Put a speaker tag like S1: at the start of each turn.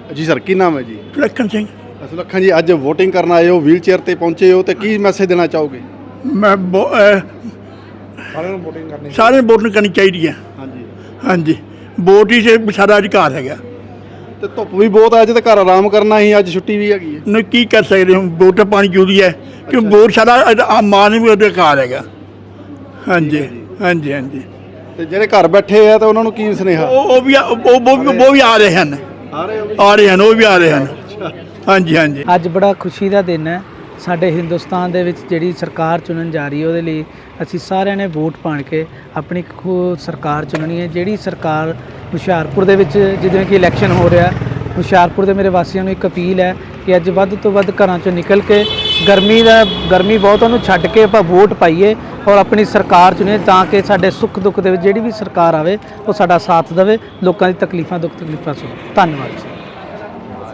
S1: ਜੀ ਸਰ, ਕੀ ਨਾਮ ਹੈ ਜੀ?
S2: ਸੁਲੱਖਣ ਸਿੰਘ।
S1: ਸੁਲੱਖਣ ਜੀ, ਅੱਜ ਵੋਟਿੰਗ ਕਰਨ ਆਏ ਹੋ, ਵੀਲ ਚੇਅਰ ਤੇ ਪਹੁੰਚੇ ਹੋ, ਤੇ ਕੀ ਮੈਸੇਜ ਦੇਣਾ ਚਾਹੋਗੇ?
S2: ਮੈਂ ਸਾਰਿਆਂ ਨੂੰ ਵੋਟਿੰਗ ਕਰਨੀ ਚਾਹੀਦੀ ਹੈ।
S1: ਹਾਂਜੀ
S2: ਹਾਂਜੀ, ਵੋਟ ਹੀ ਸਾਡਾ ਅਧਿਕਾਰ ਹੈਗਾ।
S1: ਤੇ ਧੁੱਪ ਵੀ ਬਹੁਤ ਹੈ, ਅੱਜ ਤਾਂ ਘਰ ਆਰਾਮ ਕਰਨਾ ਹੀ, ਅੱਜ ਛੁੱਟੀ ਵੀ ਹੈਗੀ ਹੈ।
S2: ਨਹੀਂ ਕੀ ਕਰ ਸਕਦੇ ਹੁਣ, ਵੋਟ ਪਾਣੀ ਜ਼ਰੂਰੀ ਹੈ ਕਿ ਵੋਟ ਸਾਡਾ ਮਾਨਵੀ ਅਧਿਕਾਰ ਹੈਗਾ। ਹਾਂਜੀ ਹਾਂਜੀ ਹਾਂਜੀ।
S1: ਤੇ ਜਿਹੜੇ ਘਰ ਬੈਠੇ ਆ ਤਾਂ ਉਹਨਾਂ ਨੂੰ ਕੀ ਸੁਨੇਹਾ?
S2: ਉਹ ਵੀ ਆ ਰਹੇ ਹਨ, ਉਹ ਵੀ ਆ ਰਹੇ ਹਨ। ਹਾਂਜੀ ਹਾਂਜੀ।
S3: ਅੱਜ ਬੜਾ ਖੁਸ਼ੀ ਦਾ ਦਿਨ ਹੈ ਸਾਡੇ ਹਿੰਦੁਸਤਾਨ ਦੇ ਵਿੱਚ। ਜਿਹੜੀ ਸਰਕਾਰ ਚੁਣਨ ਜਾ ਰਹੀ ਹੈ ਉਹਦੇ ਲਈ ਅਸੀਂ ਸਾਰਿਆਂ ਨੇ ਵੋਟ ਪਾਣ ਕੇ ਆਪਣੀ ਸਰਕਾਰ ਚੁਣਨੀ ਹੈ। ਜਿਹੜੀ ਸਰਕਾਰ ਹੁਸ਼ਿਆਰਪੁਰ ਦੇ ਵਿੱਚ ਜਿਵੇਂ ਕਿ ਇਲੈਕਸ਼ਨ ਹੋ ਰਿਹਾ, ਹੁਸ਼ਿਆਰਪੁਰ ਦੇ ਮੇਰੇ ਵਾਸੀਆਂ ਨੂੰ ਇੱਕ ਅਪੀਲ ਹੈ ਕਿ ਅੱਜ ਵੱਧ ਤੋਂ ਵੱਧ ਘਰਾਂ 'ਚੋਂ ਨਿਕਲ ਕੇ ਗਰਮੀ ਬਹੁਤ ਉਹਨੂੰ ਛੱਡ ਕੇ ਆਪਾਂ ਵੋਟ ਪਾਈਏ ਔਰ ਆਪਣੀ ਸਰਕਾਰ ਚੁਣੀਏ, ਤਾਂ ਕਿ ਸਾਡੇ ਸੁੱਖ ਦੁੱਖ ਦੇ ਵਿੱਚ ਜਿਹੜੀ ਵੀ ਸਰਕਾਰ ਆਵੇ ਉਹ ਸਾਡਾ ਸਾਥ ਦੇਵੇ, ਲੋਕਾਂ ਦੀ ਦੁੱਖ ਤਕਲੀਫਾਂ ਸੁਣੇ। ਧੰਨਵਾਦ।